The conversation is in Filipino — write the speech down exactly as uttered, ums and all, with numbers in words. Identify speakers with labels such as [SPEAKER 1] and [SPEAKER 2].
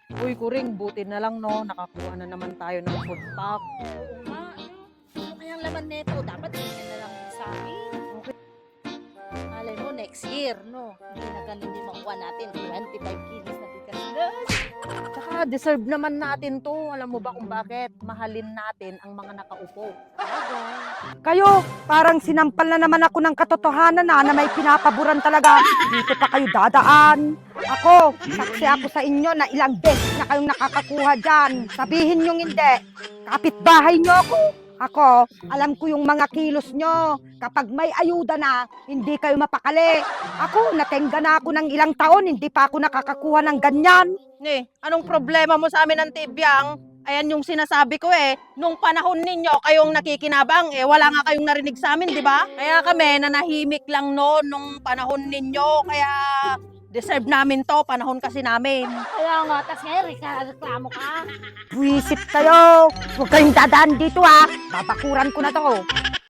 [SPEAKER 1] Uy, Kuring, buti na lang, no? Nakakuha na naman tayo ng food pack.
[SPEAKER 2] Oo nga, ano? Ano kayang laman neto? Dapat hindi na lang sa akin.
[SPEAKER 1] Okay.
[SPEAKER 2] Malay mo, next year, no? Hindi na ganun din makuha natin. twenty-five kilos na bigas. Guys!
[SPEAKER 1] Tsaka deserve naman natin to. Alam mo ba kung bakit? Mahalin natin ang mga nakaupo.
[SPEAKER 3] Kayo, parang sinampal na naman ako ng katotohanan na, na may pinapaboran talaga. Dito pa kayo dadaan. Ako, saksi ako sa inyo na ilang beses na kayong nakakakuha dyan. Sabihin nyo hindi. Kapitbahay nyo ako. Ako, alam ko yung mga kilos nyo. Kapag may ayuda na, hindi kayo mapakali. Ako, natengga na ako ng ilang taon, hindi pa ako nakakakuha ng ganyan.
[SPEAKER 1] Eh, anong problema mo sa amin ng tibyang? Ayan yung sinasabi ko eh. Nung panahon ninyo, kayong nakikinabang, eh wala nga kayong narinig sa amin, di ba? Kaya kami, nanahimik lang noon nung panahon ninyo. Kaya deserve namin to, panahon kasi namin.
[SPEAKER 2] Kaya nga, tas ngayon, reklamo ka.
[SPEAKER 3] Buwisit kayo. Huwag kayong dadaan dito ha. Babakuran ko na to.